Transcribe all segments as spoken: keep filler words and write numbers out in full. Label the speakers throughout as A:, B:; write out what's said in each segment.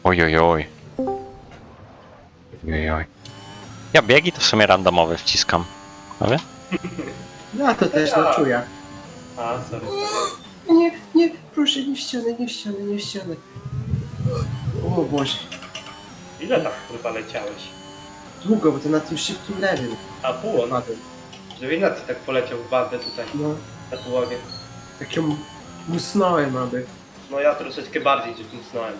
A: Ojojoj. Ojojoj. Ja biegi to w sumie randomowe wciskam. Ale?
B: No to też no czuję.
C: A, sorry.
B: Nie, nie, proszę, nie w ścianę, nie w ścianę, nie w ścianę. O Boże.
C: Ile tak kurwa leciałeś?
B: Długo, bo to na tym szybkim lewym
C: A pół on?
B: padłem.
C: Że Ignacy tak poleciał w bandę tutaj,
B: No,
C: na połowie.
B: tak ją musnąłem aby.
C: No ja troszeczkę bardziej cię mocnąłem.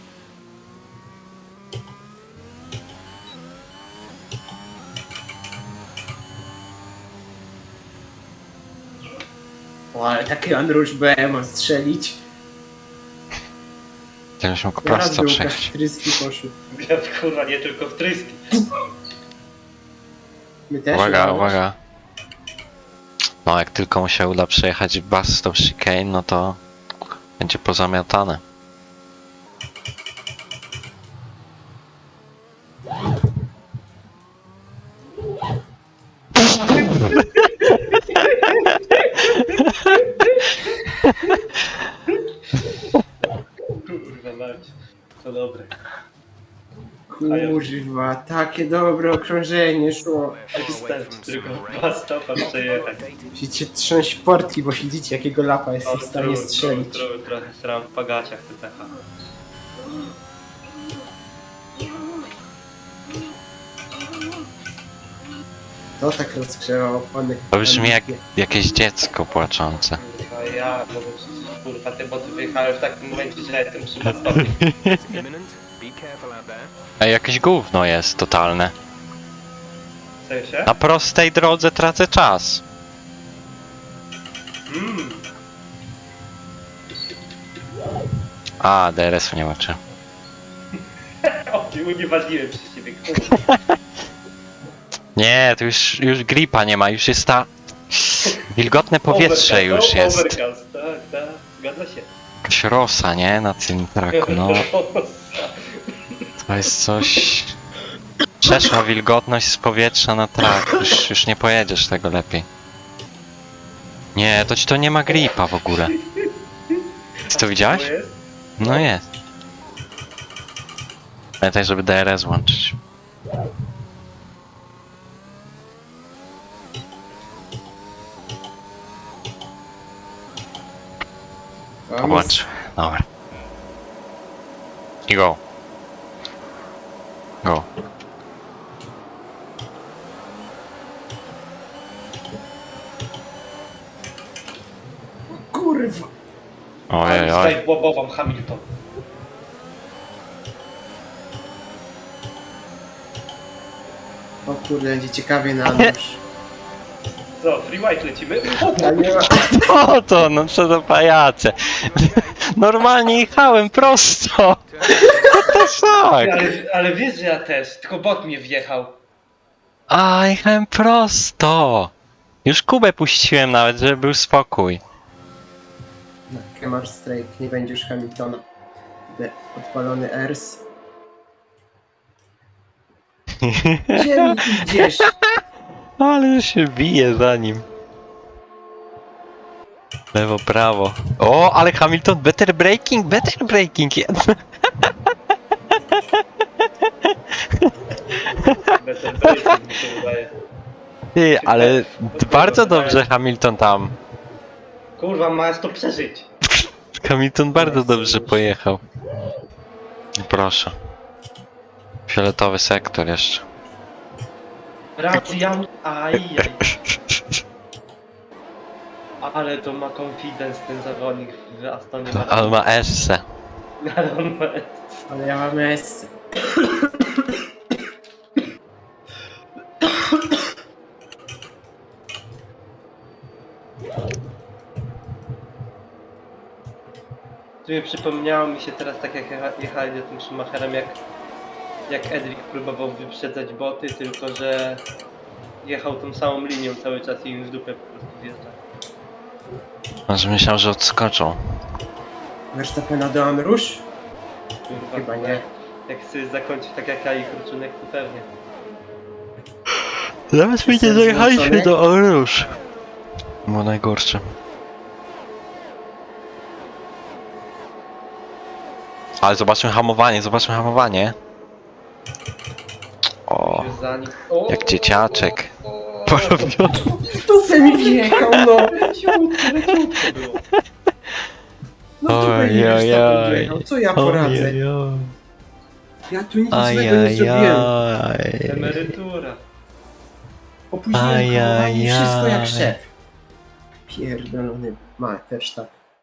B: O, ale taki Andrusz B ma strzelić.
A: Gdybyś mógł
B: Raz
A: prosto
B: był
A: przejść.
B: Kastryski poszły.
C: Ja kurwa nie tylko w tryski.
B: My też
A: Uwaga,
B: udało się.
A: uwaga. No jak tylko mu się uda przejechać Bastą Chicane, no to będzie pozamiatane.
C: Kurwa mać. To dobre.
B: Kurwa, takie dobre okrążenie szło.
C: Wystarczy tylko dwa stopa przejechać.
B: Musicie trząść portki, bo widzicie jakiego lapa jestem w stanie
C: Trochę,
B: strzelić.
C: trochę, trochę sram w pagaciach te pecha.
B: To tak rozgrzewa opony.
A: To brzmi jak jakieś dziecko płaczące.
C: Kurwa ja, no bo kurwa te boty wyjechały w takim momencie, że ja jestem przy stopni.
A: Ej, jakieś gówno jest totalne.
C: W sensie?
A: Na prostej drodze tracę czas.
C: Mmm.
A: A, D R S-u nie ma czy.
C: O, unieważniłem przez ciebie, kurwa.
A: Nie, to już, już gripa nie ma, już jest ta... Wilgotne powietrze
C: Overcast,
A: już
C: o,
A: jest.
C: Overcast, tak, tak, zgadza się.
A: Jakaś rosa, nie? Na tym traku, no. To jest coś... Przeszła wilgotność z powietrza na trak. Już, już nie pojedziesz tego lepiej. Nie, to ci to nie ma gripa w ogóle. Ty to widziałeś?
C: To jest?
A: No jest. Pamiętaj, żeby D R S włączyć.
B: Tam
A: Włącz. Dobra. I go. Go.
B: Kurwa!
A: Ojej, oj.
C: Tutaj łobowam Hamilton.
B: O kurde, będzie ciekawie na nóż.
C: Co, free white lecimy?
B: A nie ma...
A: O to, no co za pajace. Normalnie jechałem prosto. What the fuck?
C: Ale, ale wiesz, że ja też, tylko bot mnie wjechał.
A: A, jechałem prosto. Już Kubę puściłem nawet, żeby był spokój.
B: No, Kemar Strike, nie będzie już Hamiltona. Będę odpalony Ers. Gdzie mi idziesz?
A: Ale się bije za nim. Lewo, prawo. O, ale Hamilton, better braking, better braking.
C: Better braking mi się wydaje.
A: Ty, ale bardzo dobrze Hamilton tam.
C: Kurwa, masz to przeżyć.
A: Hamilton bardzo dobrze pojechał. Proszę. Fioletowy sektor jeszcze.
C: Racjan, ajaj. Ale to ma confidence ten zawodnik w Astonie
A: Ale
C: Martin.
A: ma esse.
C: Ale on ma...
B: Ale ja mam S.
C: Tu mi przypomniało mi się teraz tak jak jecha- jechali za tym Schumacherem, jak, jak Edric próbował wyprzedzać boty, tylko że jechał tą samą linią cały czas i im w dupę po prostu wjeżdżał.
A: Może myślał, że odskoczą.
B: Verstappena do Andrusz?
C: Kurwa,
B: Chyba nie.
C: Jak chcesz zakończyć tak jak ja i Kruczunek, to pewnie.
A: Nawet my nie
B: Jestem
A: dojechaliśmy
B: zmęczony?
A: do Orusz. Było najgorsze. Ale zobaczmy hamowanie, zobaczmy hamowanie. O,
C: Już za nim. O,
A: jak dzieciaczek.
C: o, o, o.
A: Porobiony.
B: W dupę mi wjechał, no!
C: Leciutko, leciutko było.
B: No w dupę mi Verstappen wjechał, co ja poradzę? Ja tu nic złego nie zrobiłem.
C: Emerytura.
B: Opóźniłem hamowanie i wszystko jak szef. Pierdolony ma Verstappen.